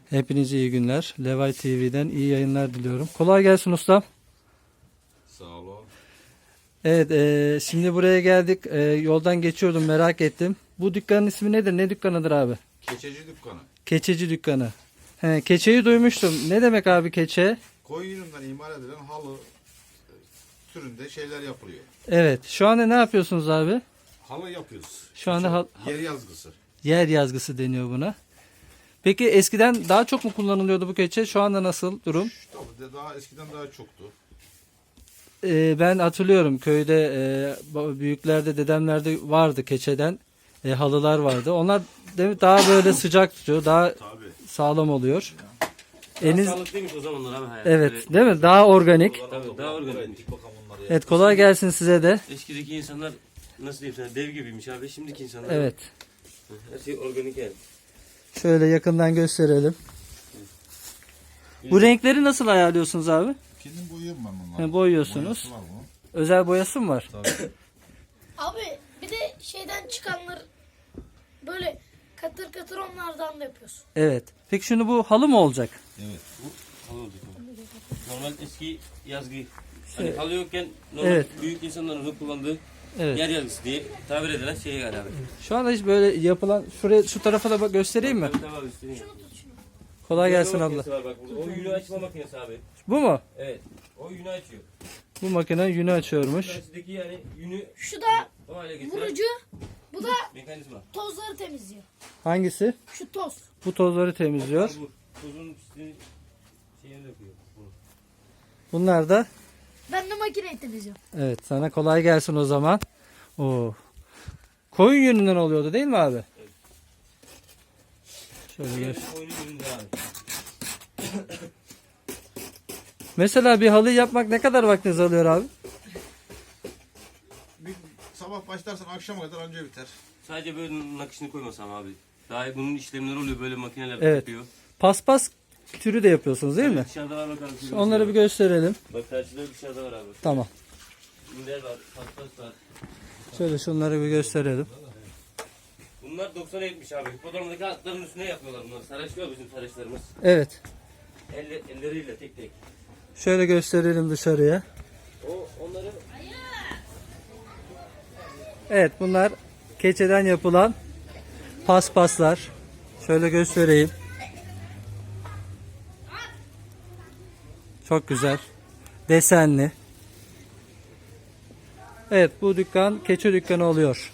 Hepinize iyi günler. Levay TV'den iyi yayınlar diliyorum. Kolay gelsin ustam. Sağ olun. Evet, şimdi buraya geldik. Yoldan geçiyordum, merak ettim. Bu dükkanın ismi nedir? Ne dükkanıdır abi? Keçeci dükkanı. Keçeci dükkanı. He, keçeyi duymuştum. Ne demek abi keçe? Koyun yününden imal edilen halı türünde şeyler yapılıyor. Evet. Şu anda ne yapıyorsunuz abi? Halı yapıyoruz. Şu anda Yer yazgısı. yer yazgısı deniyor buna. Peki eskiden daha çok mu kullanılıyordu bu keçe? Şu anda nasıl durum? Tabii daha eskiden daha çoktu. Ben hatırlıyorum köyde büyüklerde, dedemlerde vardı keçeden halılar vardı. Onlar daha böyle sıcak tutuyor, daha Tabii. sağlam oluyor. Daha sağlıklıymış o zamanlar abi hayat. Evet, Böyle- değil mi? Daha organik. Tabii daha organik. Bakalım onları ya. Evet, kolay gelsin size de. Eskideki insanlar nasıl diyeyim sana dev gibiymiş abi. Şimdiki insanlar Evet. her şey organik yani. Şöyle yakından gösterelim. Bu renkleri nasıl ayarlıyorsunuz abi? Kendim boyuyorum ben bunları. He, boyuyorsunuz. Boyası var bunun. Özel boyası mı var? Tabii. Abi bir de şeyden çıkanlar böyle katır katır onlardan da yapıyorsun. Evet. Peki şimdi bu halı mı olacak? Evet. Halı olacak abi. Normal eski yazgı. Hani halı yokken normal Evet. büyük insanların kullandığı Evet. yer yazgısı diye tabir edilen şeye yani abi. Şu anda hiç böyle yapılan, şuraya şu tarafa da göstereyim mi? Tabii abi istediğin gibi. Kolay gelsin Yünleme abla. makinesi var bak burada. O yünü açma makinesi abi. Bu mu? Evet. O yünü açıyor. Bu makine yünü açıyormuş. Karşıdaki yani yünü Şu da o hale getiren vurucu, bu da mekanizma. tozları temizliyor. Hangisi? Şu toz. Bu tozları temizliyor. Bu tozun pisliğini şeyini döküyor. Bunu. Bunlar da Ben de makineyi temizliyorum. evet, sana kolay gelsin o zaman. Oo. Koyun yününden oluyordu değil mi abi? Şöyle gör. Oyunun yününde abi. Mesela bir halı yapmak ne kadar vaktiniz alıyor abi? Bir sabah başlarsan akşama kadar anca biter. Sadece böyle nakışını koymasam abi. Daha bunun işlemleri oluyor böyle makineler Evet. yapıyor. Paspas türü de yapıyorsunuz değil mi? Dışarıda var bakalım. Onları bir gösterelim. Bak karşıda dışarıda var abi. Tamam. Minder var, paspas var. Şöyle şunları bir gösterelim. Bunlar 90'a 70 abi. Hipodromdaki atların üstüne yapıyorlar bunlar. Saraçlıyor bizim saraçlarımız. Evet. Elleriyle tek tek. Şöyle gösterelim dışarıya. Onları Evet, bunlar keçeden yapılan paspaslar. Şöyle göstereyim. Çok güzel. Desenli. Evet, bu dükkan keçe dükkanı oluyor.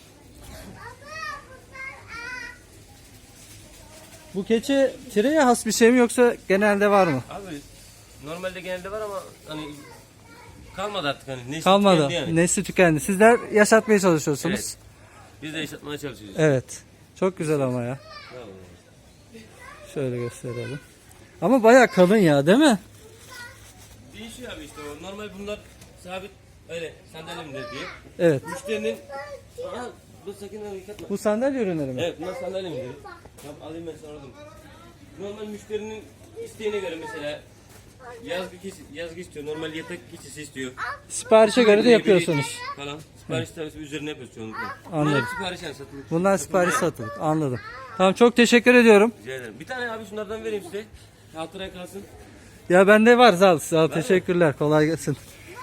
Bu keçe tireye has bir şey mi yoksa genelde var mı? abi normalde genelde var ama hani kalmadı artık hani. Nesli Kalmadı. tükendi yani. Nesli tükendi. Sizler yaşatmaya çalışıyorsunuz. Evet. Biz de yaşatmaya çalışıyoruz. Evet. Çok güzel ama ya. Tamam. Şöyle gösterelim. Ama bayağı kalın ya, değil mi? Değişiyor abi işte o. Normal bunlar sabit öyle sandalyemdir diye. Evet. Müşterinin Aa, dur sakın onu yıkatma. Bu sandalye ürünleri mi? Evet bunlar sandalyemdir. Tamam alayım ben sana oradan. Normal müşterinin isteğine göre mesela yazgı istiyor. Normal yatak keçisi istiyor. Siparişe göre de yapıyorsunuz. Falan. Sipariş tarzı üzerine yapıyoruz çoğunlukla. Anladım. Bunlar hep sipariş yani satılık. Bunlar sipariş satılık. Anladım. Tamam, çok teşekkür ediyorum. Rica ederim. Bir tane abi şunlardan vereyim size. Hatıraya kalsın. Ya bende var, sağ ol. Teşekkürler. Kolay gelsin.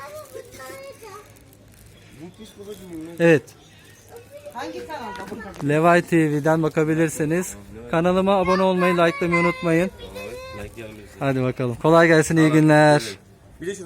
Bu pis babacığım. Evet. Hangi kanalda? Levay TV'den bakabilirsiniz. Kanalıma abone olmayı, likelamayı unutmayın. Like diyelim. Hadi bakalım. Kolay gelsin, iyi günler. Bir de şu